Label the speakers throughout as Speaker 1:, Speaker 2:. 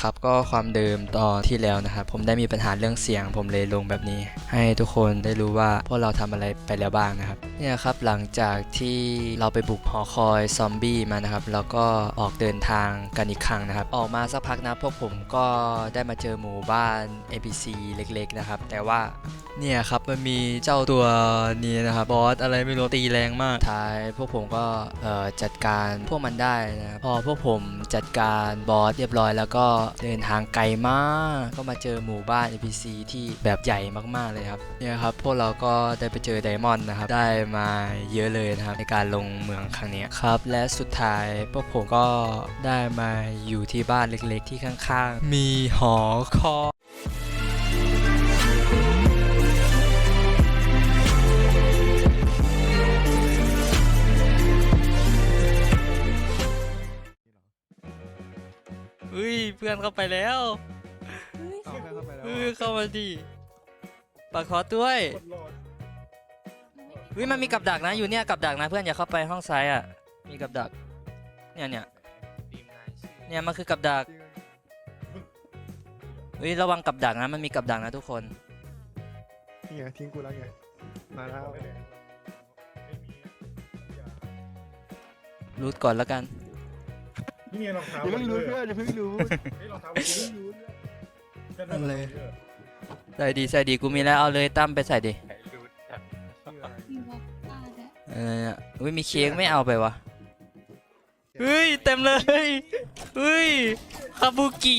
Speaker 1: ครับก็ความเดิมตอนที่แล้วนะครับผมได้มีปัญหาเรื่องเสียงผมเลยลงแบบนี้ให้ทุกคนได้รู้ว่าพวกเราทำอะไรไปแล้วบ้างนะครับเนี่ยครับหลังจากที่เราไปบุกหอคอยซอมบี้มานะครับแล้วก็ออกเดินทางกันอีกครั้งนะครับออกมาสักพักนะพวกผมก็ได้มาเจอหมู่บ้าน NPC เล็กๆนะครับแต่ว่าเนี่ยครับมันมีเจ้าตัวนี้นะครับบอสอะไรไม่รู้ตีแรงมากท้ายพวกผมก็จัดการพวกมันได้นะพอพวกผมจัดการบอสเรียบร้อยแล้วก็เดินทางไกลมากก็มาเจอหมู่บ้าน NPC ที่แบบใหญ่มากๆเลยครับเนี่ยครับพวกเราก็ได้ไปเจอไดมอนด์นะครับได้มาเยอะเลยนะครับในการลงเมืองครั้งนี้ครับและสุดท้ายพวกผมก็ได้มาอยู่ที่บ้านเล็กๆที่ข้างๆมีหอคอยเพื่อนเข้าไปแล้วเข้ามาดิปากคอด้วยมันมีกับดักนะอยู่เนี่ยกับดักนะเพื่อนอย่าเข้าไปห้องซ้ายอ่ะมีกับดักเนี่ยมันคือกับดักระวังกับดักนะมันมีกับดักนะทุกคน
Speaker 2: นี่ไงทิ้งกูแล้วไงมาแล้ว
Speaker 1: รูทก่อนแล้วกัน
Speaker 3: นี่ไงรองเท้า
Speaker 2: อย่าเพิ่งรู้เพื่อนอย่าเพิ่งรู้
Speaker 3: รองเท้าอย่าเพิ่งรู้
Speaker 1: นั่นเลยใส่ดีกูมีแล้วเอาเลยตั้มไปใส่ดิมีเค้กไม่เอาไปวะเต็มเลยคาบุกิ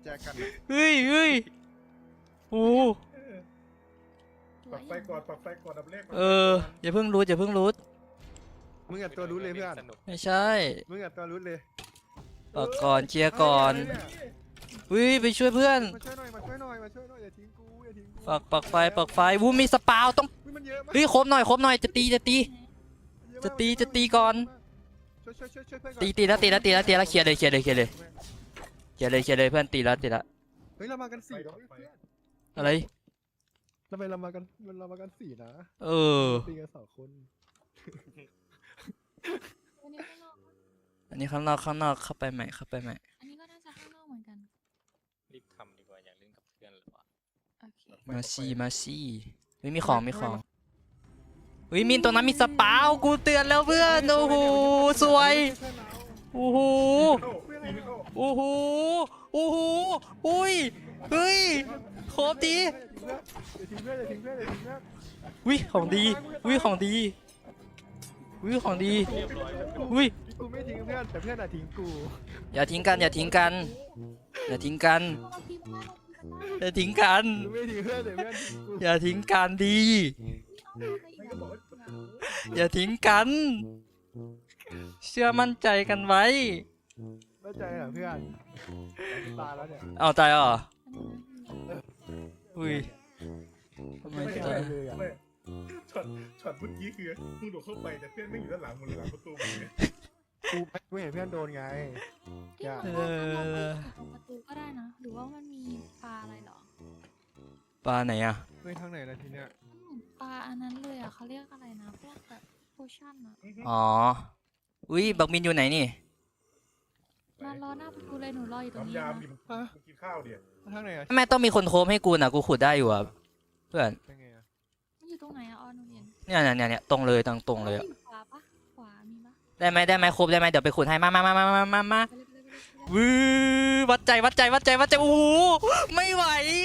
Speaker 1: โอ้
Speaker 3: ปักไฟก่อนดับเลข
Speaker 1: อย่าเพิ่งรูท
Speaker 2: มึงอย่าตัวรู้เลยเพื่อน
Speaker 1: ไม่ใช่
Speaker 2: มึงอย่าตัวรู้เลย
Speaker 1: ปักก่อนเชียร์ก่อนไปช่วยเพื่อน
Speaker 2: มาช่วยหน่อยอย่าทิ้งกู
Speaker 1: ปักไฟมีสปาวต้องครบหน่อยจะตีก่อนตีแล้วเคลียร์เลยเคลียร์เลยเพื่อนตีแล้ว
Speaker 2: เฮ้ยเรามากัน4
Speaker 1: อะไร
Speaker 2: ทำไมเรามากัน4นะตีกัน2คน
Speaker 1: อันนี้ข้างนอกเข้าไปใหม่
Speaker 4: อันนี้ก็น่าจะข้างนอกเหมือนกัน
Speaker 5: รีบทำดีกว่าอยากเล่นกับเพื่อนหรือเปล่า
Speaker 4: โอเค
Speaker 1: มาซี่มีของมินตรงนั้นมีสปาวกูเตือนแล้วเพื่อนโอ้โหสวยโอ้โหครบดีของดี
Speaker 2: กูไม่ทิ้งเพื่อนแต่เพื่อนทิ้งกู
Speaker 1: อย่าทิ้งกัน
Speaker 2: ไม่ทิ้งเพื่อนแต่เพื่อน
Speaker 1: อย่าทิ้งกันดีอย่าทิ้งกันเชื่อมั่นใจกันไว้
Speaker 2: มั่นใจเหรอเพื่อนตายแล้วเนี่ย
Speaker 1: เอาตายเหรอ
Speaker 3: ทำไมตายเลยอ่ะช็อตเมื่อกี้คือมึงโดดเข้าไปแต่เพื่อนไม่อยู่ด้านหลังมึงหลังประตู
Speaker 2: กูเห็นเพื่อนโดนไง
Speaker 4: ประตูก็ได้นะหรือว่ามันมีปลาอะไรหรอ
Speaker 1: ปลาไหนอ่ะ
Speaker 2: ทางไหนล่ะทีเนี้ย
Speaker 4: ปลาอันนั้นเลยอ่ะเขาเรียกอะไรนะพวกแบบโพชั่นอ่ะ
Speaker 1: บักมินอยู่ไหนนี่
Speaker 4: มารอหน้าประตูเลยหนูรออยู่ตรงนี้
Speaker 3: ยามดิมึงกินข้าวเดี๋ยว
Speaker 2: ทางไหนอ่ะ
Speaker 1: แม่ต้องมีคนโคมให้กูนะกูขุดได้อยู่อ่ะเพื่อน
Speaker 4: มันอยู่ตรงไหนอ่ะหนูเห็น
Speaker 1: เนี่ยตรงเลยตรงเลยอ่ะ
Speaker 4: ขวามีปะ
Speaker 1: ได้ไหมครบได้ไหมเดี๋ยวไปขุดให้มาวัดใจโอ้โหไม่ไหว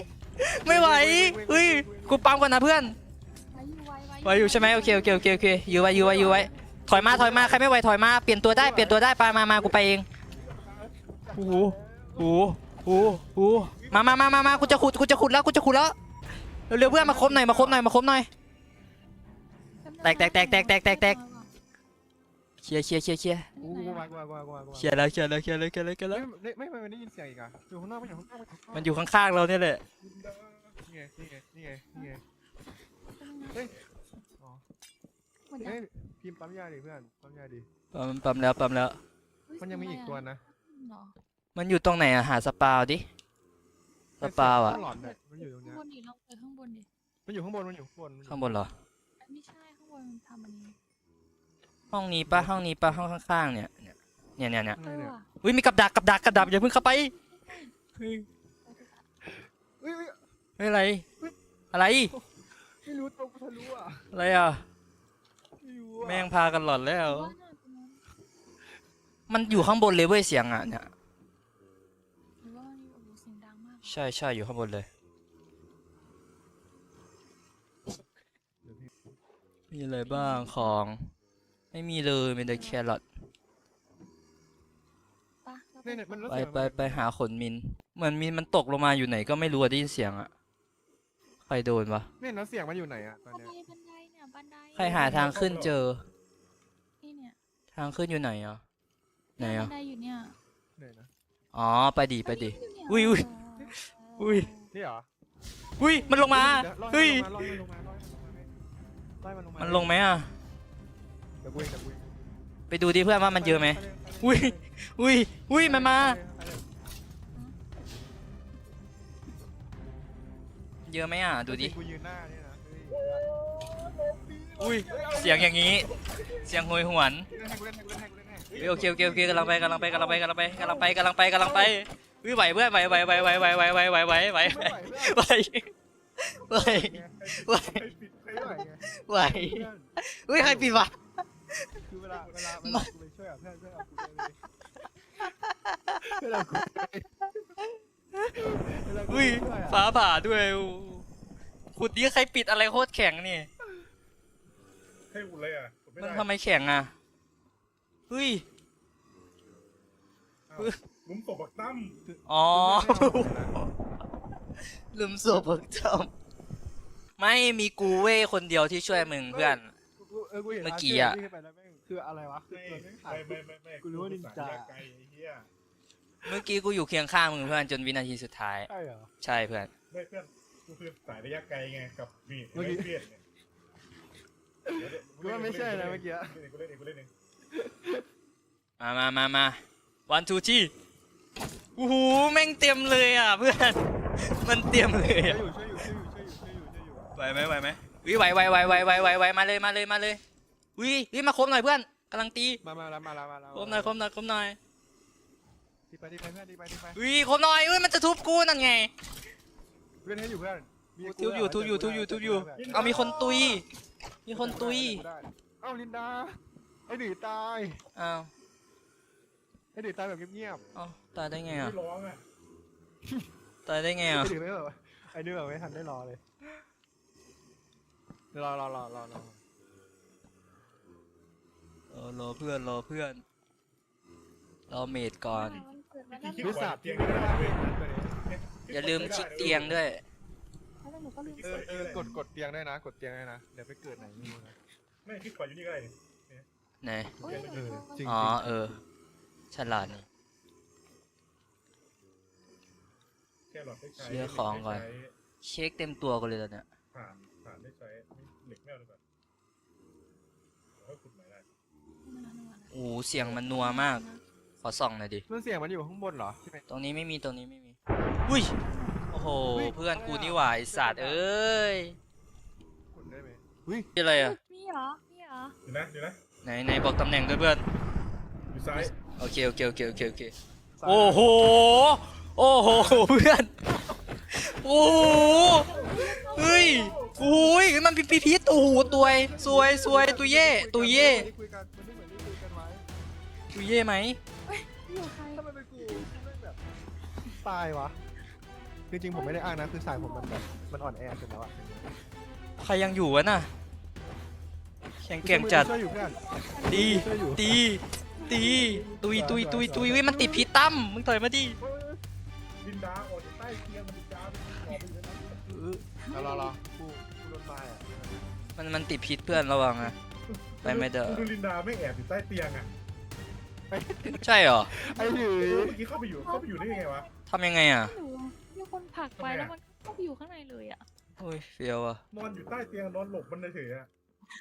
Speaker 1: กูปั๊มก่อนนะเพื่อนไว้อยู่ใช่ไหมโอเคยื้อไว้ถอยมาใครไม่ไหวถอยมาเปลี่ยนตัวได้ไปมากูไปเองโอ้โหมากูจะขุดแล้วเร็วเพื่อนมาครบหน่อยแตกเคลียร์แล้ว
Speaker 2: ไม่ได้ยินเสียงอีกอ่ะอยู่ข้างนอก
Speaker 1: มันอยู่ข้างๆเราเนี่ยแหละ
Speaker 2: นี่ไงเฮ้ยพิมพ์ปั๊มยาดิเพื่อนปั๊มยาดิ
Speaker 1: ปั๊มแล้ว
Speaker 2: มันยังมีอีกตัวนะ
Speaker 1: มันอยู่ตรงไหนอะหาสปาวดิสปาวอะ
Speaker 2: มันอยู่ตรงนี้
Speaker 4: ข้างบนดิลองไปข้างบนดิ
Speaker 2: มันอยู่ข้างบน
Speaker 1: เหรอ
Speaker 4: ไม่ใช่ข้างบนทำอันนี้
Speaker 1: ห้องนี้ปะห้องข้างๆเนี่ยมีกับดักอย่าเพิ่งเข้าไปเฮ้ย
Speaker 2: เฮ้ย
Speaker 1: เฮ้ยอะไร อะไร
Speaker 2: ไม่รู้ตัวกูทะลุอ่ะ
Speaker 1: อะไรอ่ะ
Speaker 2: ไม่รู้อ่ะ
Speaker 1: แม่งพากันหลอนแล้ว
Speaker 4: ว่าน่าตรงนั้น
Speaker 1: มันอยู่ข้างบนเลยเว้ยเสียงอ่ะเนี่ย
Speaker 4: หรือว่าอยู่โอ้โหเสียงดังมาก
Speaker 1: ใช่ใช่อยู่ข้างบนเลย มีอะไรบ้างของ ไม่มีเลยมีแต่แครอท
Speaker 4: ปะเรา
Speaker 2: เนี่ยมันแล้ว
Speaker 1: ไป
Speaker 2: เสียง
Speaker 1: ไปหาขนมิน เหมือนมินมันตกลงมาอยู่ไหนก็ไม่รู้อะได้ยินเสียงอะใครโดนวะ
Speaker 2: เนี่ยแล้วเสียงมันอยู่ไหนอ่ะตอน
Speaker 4: บัน
Speaker 2: เนี้ย
Speaker 4: ไดบันไดเนี่ยบันได
Speaker 1: ใครหาทางขึ้นเจอ
Speaker 4: นี่เนี่ย
Speaker 1: ทางขึ้นอยู่ไหนอ่ะ ไหน
Speaker 4: บั
Speaker 1: อ่ะ
Speaker 4: นไดอยู่เนี่ย
Speaker 2: เนี่ยนะ
Speaker 1: อ๋อไปดิไปดิ
Speaker 4: อยู่เนี่ย
Speaker 1: อุ้ยอุ้ย อุ้ย
Speaker 2: นี่เหรอ
Speaker 1: อุ้ยมันลงมา
Speaker 2: ดี๋วล่อ
Speaker 1: เฮ้ย
Speaker 2: มันลงมาล่อมันลงมา
Speaker 1: มันลงไหมอ่ะ
Speaker 2: เดี๋ยวกูเองเดี๋ยวกูเอง
Speaker 1: ไปดูดิเพื่อนว่ามันเยอะไหม อุ้ย อุ้ย อุ้ยมันมา เยอะไหมอ่ะ ดูดิ
Speaker 2: กูยืนหน้าเนี่ยนะ
Speaker 1: อุ้ย เสียงอย่างนี้ เสียงโหยหวน
Speaker 2: ให้กูเล่นให้กูเล่นให้กูเล่นให้
Speaker 1: เฮ้ยโอเคโอเคโอเคกำลังไปอุ้ยไหวเพื่อนไหว
Speaker 2: ไม่ไหวเพื่อน
Speaker 1: ไหว
Speaker 3: ใครปิดใคร
Speaker 2: ไม่ไหวไง
Speaker 1: ไหว
Speaker 2: เพื่อน
Speaker 1: อุ้ยใครปิดวะ
Speaker 2: คือเวลากูไปช่วยอ่ะเพื่อนเอากูเลยเวลากูเวลากู
Speaker 1: อุ้ย
Speaker 2: ช่วยอ่ะ
Speaker 1: ฟ้าผ่าด้วยขุดนี้ใครปิดอะไรโคตรแข็งนี่
Speaker 3: ให้อุ่นเลยอ่ะกดไม่
Speaker 1: มัน
Speaker 3: ได้
Speaker 1: ทำไมแข็งอ่ะเฮ้ย
Speaker 3: อ้าวหลุมศพบักตั้ม
Speaker 1: อ๋อลืมสวบเจำไม่มีกูเว้ยคนเดียวที่ช่วยมึงเพื่อน
Speaker 2: กูเห็น
Speaker 1: เมื่อกี้อะ
Speaker 2: ที่ไปแล้วแม่งคืออะไรวะคือ
Speaker 3: ไม่
Speaker 2: ตัวแม่งหาย
Speaker 3: ไม่
Speaker 2: กูรู้ว่านินจา
Speaker 3: ไกลไอ้เหี้ย
Speaker 1: เมื่อกี้กูอยู่เคียงข้างมึงเพื่อนจนวินาทีสุดท้าย
Speaker 2: ใช่เหรอ
Speaker 1: ใช่เพื่อน
Speaker 3: ไม่เพื่อนกูคือสายระยะไกลไงกับมีด
Speaker 2: เมื่อกี้
Speaker 3: ไเพี้ยนไง
Speaker 2: กูว่าไม่ใช่นะเมื่อกี้
Speaker 3: กูเล่นเองกูเล่นเอง
Speaker 1: มาวันทูที่โอ้โหแม่งเต็มเลยอ่ะเพื่อนมันเต็มเลย
Speaker 2: ช่วย
Speaker 1: อะ
Speaker 2: อยู่ช่วยอยู่ช่วยอยู่ช่วยอยู่ช่วยอยู่
Speaker 1: ไหวไหมวิไหวมาเลยวิมาคบหน่อยเพื่อนกำลังตี
Speaker 2: มาแล้ว
Speaker 1: คบหน่อย
Speaker 2: ดีไปเพื่อนดีไป
Speaker 1: วิคบหน่อยมันจะทุบกูนั่นไง
Speaker 2: เพื่อนให้อยู่เพื่อน
Speaker 1: ทุบอยู่เอามีคนตุยเ
Speaker 2: อ้าลินดาไอ้ดื้อตาย
Speaker 1: อ้าว
Speaker 2: ไอ้ดื้อตายแบบเงียบ
Speaker 1: อ้าวตายได้ไงอ่ะ
Speaker 3: ไม่ร้องอ่ะ
Speaker 1: ตายได้ไง
Speaker 2: ๆ
Speaker 1: อ่ะ
Speaker 2: ไอ้ดื้อไม่แบบไอ้ดื้อแบบไม่ทันได้รอเลยรอ
Speaker 1: รอเพื่อนรอเมดก่อน
Speaker 4: มันเกิดมาแล้ว
Speaker 2: วิสัทที่ไม่ได้เว้ย
Speaker 1: อย่าลืมคลิกเตียงด้วย
Speaker 4: แล้วหนูก็ลืม
Speaker 2: กดเตียงได้นะกดเตียงได้นะเดี๋ยวไปเกิดไหนไม่รู้นะ
Speaker 3: ไม่คิดขวาอยู่นี่ก็ได้นี่
Speaker 1: ไหน
Speaker 4: โอ้ยหนูโทร
Speaker 2: จริง
Speaker 1: อ๋อฉลาดนี่
Speaker 3: แค่หลอดได้ใช้
Speaker 1: เคลียร์ของก่อน เช็คเต็มตัวกันเลยตอนเนี้ย
Speaker 3: ผ่านได้ใช้เหล็กแมวดีกว่าแล้วขุดใหม่ได้
Speaker 1: โอ้โหเสียงมันนัวมาก ขอส่องหน่อยดิ
Speaker 2: มันเสียงมันอยู่ข้างบนเหรอ
Speaker 1: ตรงนี้ไม่มีอุ้ยโอ้โหเพื่อนกูนี่หว่าไอสัตว์เอ้ย
Speaker 2: กดได้ไหม
Speaker 1: อะไรอ่ะ
Speaker 4: มีเหรอ
Speaker 3: อยู่นะ
Speaker 1: ไหนบอกตำแหน่งด้วยเพื่อน
Speaker 3: อยู่ซ้าย
Speaker 1: โอเคโอ้โหเพื่อนโอ้โหเฮ้ยโอ้ยมันพีโอ้โหตัวสวยตัวเย่
Speaker 2: คุยกันมันไม่เหมือนที่คุยกันไว้
Speaker 1: ตัวเย่ไหม
Speaker 4: อยู่ใคร
Speaker 2: ถ้ามันเป็นกูไม่แบบตายวะจริงๆผมไม่ได้อ้างนะคือสายผมมันแบบมันอ่อนแอสุดแล้วอะ
Speaker 1: ใครยังอยู่วะน่ะแข็งแกร่งจัด
Speaker 2: ช่วยอยู่เพื่อน
Speaker 1: ตีตุยเว้ยมันติดพีตั้มมึงต่อยมาดิ
Speaker 3: ดินดาออกจากใต้เตียงมันดินดาออกไปอยู่ในนั้น
Speaker 2: รอกูโดนตายอ่ะ
Speaker 1: มันติดพิษเพื่อนระวังนะ ไปไม่เด้อ
Speaker 3: ดูลินดาไม่แอบอยู่ใต้เตียงอ่ะ
Speaker 1: ใช่เหรอ
Speaker 2: ไอ้หรือ
Speaker 3: เมื่อกี้เข้าไปอยู่ได้ยังไงวะ
Speaker 1: ทำยังไงอ่ะ
Speaker 4: หนูมีคนผลักไปแล้วมันก็ไปอยู่ข้างในเลยอ่ะ
Speaker 1: โอ้ยเฟียวอ่ะ
Speaker 3: นอนอยู่ใต้เตียงนอนหลบมันเฉยๆอ่ะ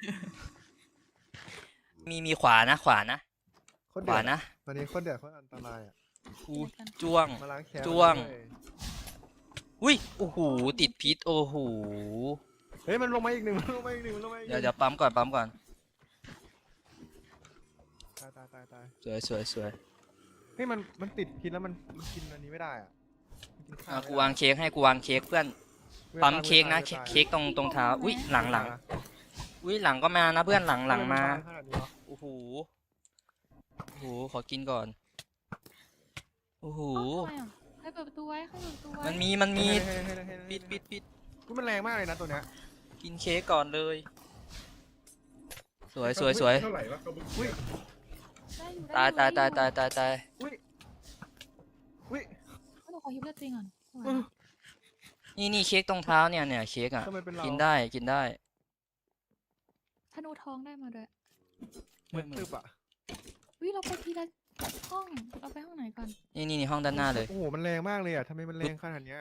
Speaker 1: มีขวานะ
Speaker 2: โคตร
Speaker 1: ข
Speaker 2: เดื
Speaker 1: วา
Speaker 2: อด
Speaker 1: นะ
Speaker 2: ตอนนี้โคตรเดือดโคตรอันตรายอ่ะ
Speaker 1: กูจ้วง
Speaker 2: มาล้างแค้น
Speaker 1: จ้วง อุ้ยโอ้โหติดพิษโอ้โห
Speaker 2: เฮ้ยมันลงมาอีกหนึ่ง
Speaker 1: เดี๋ยวปั๊มก่อน
Speaker 2: ตาย
Speaker 1: สวย
Speaker 2: เฮ้ยมันติดพิษแล้วมันกินอันนี้ไม่ได้อ่ะ
Speaker 1: กูวางเค้กให้กูวางเค้กเพื่อนปั๊มเค้กนะเค้กตรงเท้าอุ้ยหลังอุ้ยหลังก็มานะเพื่อนหลังมาโอ้โหขอกินก่อนโอ้โห
Speaker 4: ทำไมอ่ะให้เปิดประตูไว้ให้เปิดประตูไว้
Speaker 1: มันมีปิด
Speaker 2: กูมันแรงมากเลยนะตัวเนี้ย
Speaker 1: กินเค้กก่อนเลย สวย
Speaker 3: เท่าไหร่วะกระบุก
Speaker 2: อุ้ย
Speaker 4: ได้อยู่
Speaker 1: ตาย
Speaker 4: ได้อยู่
Speaker 1: ตาย
Speaker 2: อุ้ยอุ้ย
Speaker 4: หนูขอฮิปเลือดจริงก่อน
Speaker 1: นี่เค้กตรงเท้าเนี่ยเค้กอ่ะ
Speaker 2: ทำไมเป็นเรา
Speaker 1: กิ
Speaker 2: กิ
Speaker 1: นได้
Speaker 4: ธนูทองได้มาด้วย
Speaker 2: เหมือนตึบอ่ะ
Speaker 4: วิเราไปทีละห้องเราไปห้องไหนก่อน
Speaker 1: นี่ห้องด้านหน้าเลย
Speaker 2: โอ้โหมันแรงมากเลยอ่ะทำไมมันแรงขนาดเนี้ย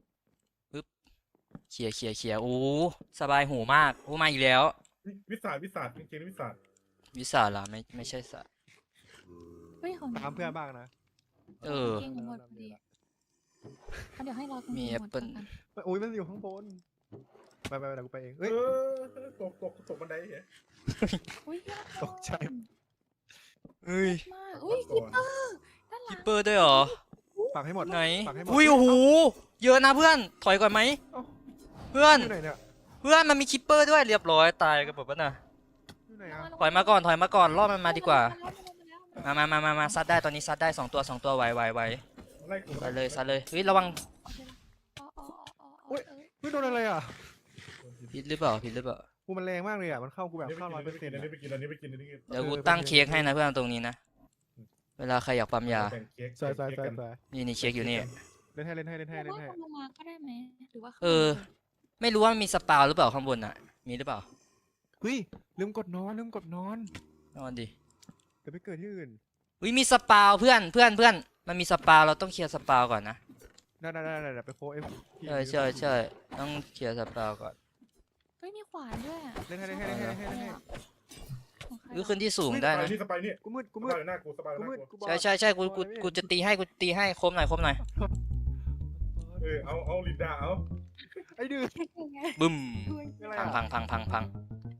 Speaker 1: เขี่ยโอ้สบายหูมากโอ้มาอีกแล้ว
Speaker 3: วิสาจริงๆวิสาจ
Speaker 1: วิสาล่ะไม่ใช่สัตว์
Speaker 4: เฮ้ยของ
Speaker 2: ตามเพื่อนบ้างนะ
Speaker 1: เออ
Speaker 4: เก่งหมดพอดีเดี๋ยวให้เรา
Speaker 1: มี
Speaker 4: หมด
Speaker 1: Apple
Speaker 4: กัน
Speaker 2: อุ้ยมันอยู่ข้างบนไปเดี๋ยวกูไปเอง
Speaker 3: เอ
Speaker 2: เฮ้ย
Speaker 3: ตกบันไดเหรอ
Speaker 4: อุ้ย
Speaker 2: ตกใจ
Speaker 1: เฮ้ย
Speaker 4: มากอุ้ยคิปเปอร์ด้านหลัง
Speaker 1: เปิดด้วยเหรอ
Speaker 2: ปักให้หมด
Speaker 1: ไหน
Speaker 2: ปักให้หมด
Speaker 1: อุ้ยโอ้โหเยอะนะเพื่อนถอยก่อนไหม
Speaker 2: เอ้า
Speaker 1: เพื่อน
Speaker 2: อยู่ไหนเนี่ย
Speaker 1: มันมีคิปเปอร์ด้วยเรียบร้อยตายกันหมดปะน่ะ
Speaker 2: อยู่ไหนอ่ะ
Speaker 1: ถอยมาก่อนล่อมันมาดีกว่า
Speaker 4: มันล้มแล้ว
Speaker 1: มาซัดได้ตอนนี้ซัดได้2 ตัวไว
Speaker 3: ไล่กู
Speaker 1: ซัดเลยเฮ้ยระวัง
Speaker 4: อุ๊ย
Speaker 2: เฮ้ยโดนอะไรอ่ะ
Speaker 1: ผิดหรือเปล่า
Speaker 2: กูมันแรงมากเลยอ่ะมันเข้ากูแบบเข้า100%
Speaker 3: อันนี้ไปกิน
Speaker 1: เดี๋ยวกูตั้งเค้กให้นะเพื่อนตรงนี้นะเวลาใครอยากปั๊มยา
Speaker 3: แบ่งเค้ก
Speaker 2: สวย
Speaker 1: นี่เค้กอยู่นี่
Speaker 2: เล่นให้
Speaker 4: เราว่าลงมาก็ได้ไหมหรือว่า
Speaker 1: เออ ไม่รู้ว่ามันมีสปาวหรือเปล่าข้างบนอ่ะ มีหรือเปล่า
Speaker 2: เฮ้ยลืมกดนอน
Speaker 1: นอนดิ
Speaker 2: เดี๋ยวไปเกิดที่อื่น
Speaker 1: อุ้ยมีสปาวเพื่อนมันมีสปาวเราต้องเคลียร์สปาวก่อนนะ
Speaker 2: ได้ไปโฟเอฟ
Speaker 1: ใช่ต้องเคลียร์สปาวก่อน
Speaker 4: เฮ้ยมีขวานด้วยอ่ะ
Speaker 2: เล่นให้
Speaker 4: ของใคร
Speaker 1: หรือขึ้นที่สูงได้นะ
Speaker 3: สบายนี่
Speaker 2: กูมืด
Speaker 3: สบายหน้ากูสบายหน้ากู
Speaker 1: ใช่กูจะตีให้คมหน่อย
Speaker 3: เอาลินดาเอา
Speaker 2: ไอ้ดื้อ
Speaker 1: บึ้ม
Speaker 2: อะไรอ่ะ
Speaker 1: พัง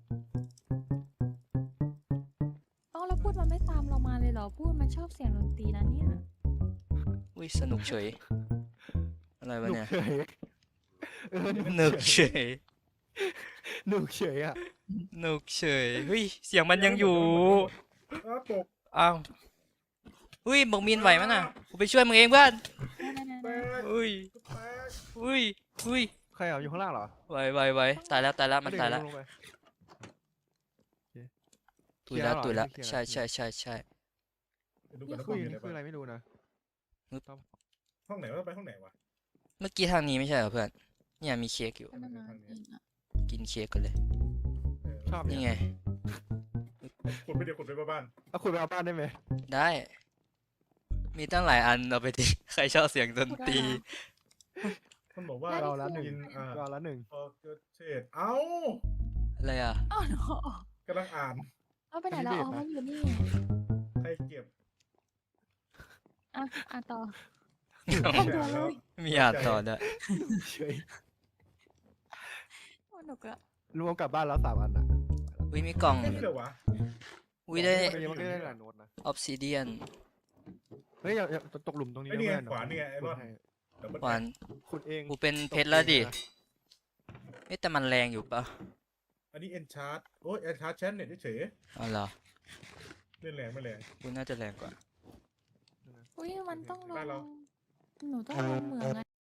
Speaker 4: อ๋อแล้วพูดมันไม่ตามเรามาเลยเหรอพูดมันชอบเสียงดนตรีนะเนี่ย
Speaker 1: อุ้ยสนุกเฉยอะไร
Speaker 2: ห
Speaker 1: วะ
Speaker 2: นุก
Speaker 1: เนี่ย
Speaker 2: เฉย
Speaker 1: หนุกเฉย
Speaker 2: หนุกเฉยอ่ะ
Speaker 1: เฮ้ยเสียงมันยังอยู่
Speaker 3: ตก
Speaker 1: อ้าวอุ้ยบอกมีนไหวมั้ยน่ะกูไปช่วยมึงเองเพื่อน
Speaker 3: แตก
Speaker 1: อุ้ย
Speaker 2: ใครอ่ะอยู่ข้างล่างเหรอ
Speaker 1: ไหวตายแล้วมันตายแล้ว
Speaker 2: ลงไป
Speaker 1: ตุยแล้ว
Speaker 2: เคลียร์แล้วเหรอ
Speaker 1: ใช่
Speaker 3: ดู
Speaker 2: นี่
Speaker 3: กันนะ
Speaker 2: คือนี่คืออะไรไม่รู้นะ
Speaker 3: ห้องไหนว่าไปห้องไหนวะ
Speaker 1: เมื่อกี้ทางนี้ไม่ใช่เหรอเพื่อนเนี่ยมีเค้กอยู่
Speaker 4: ก็นานๆเองอ่ะ
Speaker 1: กินเค้กกันเลย
Speaker 2: ชอบ
Speaker 1: นี่
Speaker 2: เนี่ย
Speaker 1: ไง
Speaker 3: ขุดไปบ้าน
Speaker 2: เอาคุณไปเอาบ้านได้ไหม
Speaker 1: ได้ มีตั้งหลายอันเอาไปดิ ใครชอบเสียงดนตรี
Speaker 3: มันบอกว่า
Speaker 2: เราละหนึ่ง
Speaker 3: กิน
Speaker 2: เราละหนึ่ง
Speaker 3: พอเกิดเศษเอ้า
Speaker 1: อะไรอ่ะ
Speaker 4: อ้าวเนอะ
Speaker 3: กำลังอ่าน
Speaker 4: เอาไปไหนแล้วอ๋อมันอยู่นี่
Speaker 3: ใครเก็บ
Speaker 4: อ่ะต่อ
Speaker 3: แล้ว
Speaker 1: มีอ่านต่อด้วย
Speaker 2: เฉย
Speaker 4: สนุกละ
Speaker 2: รวมกลับบ้านแล้ว3 อันอ่ะ
Speaker 1: อุ้ยมีกล่อง
Speaker 3: ไม่เหรอวะ
Speaker 1: อุ้ยได้
Speaker 2: มันก็ได้หลายโน้ตนะ
Speaker 1: ออฟซิเดียน
Speaker 2: เฮ้ยอย่าตกหลุมตรงนี้
Speaker 3: ไอ้นี่ไงขวานี่ไงไอ้รอด
Speaker 1: หวาน
Speaker 2: ขุดเอง
Speaker 1: กูเป็นเพชรแล้วดิเอ๊ะแต่มันแรงอยู่ปะ
Speaker 3: อันนี้เอนชาร์ดโอ้ยเอนชาร์ดแชนเนี่ยเฉย
Speaker 1: อ๋อเหรอ
Speaker 3: เล่นแรงไม่แรง
Speaker 1: กูน่าจะแรงกว่า
Speaker 4: อุ้ยมันต้องล
Speaker 3: ได้แล้ว
Speaker 4: งหนูต้องลงเหมืองอะ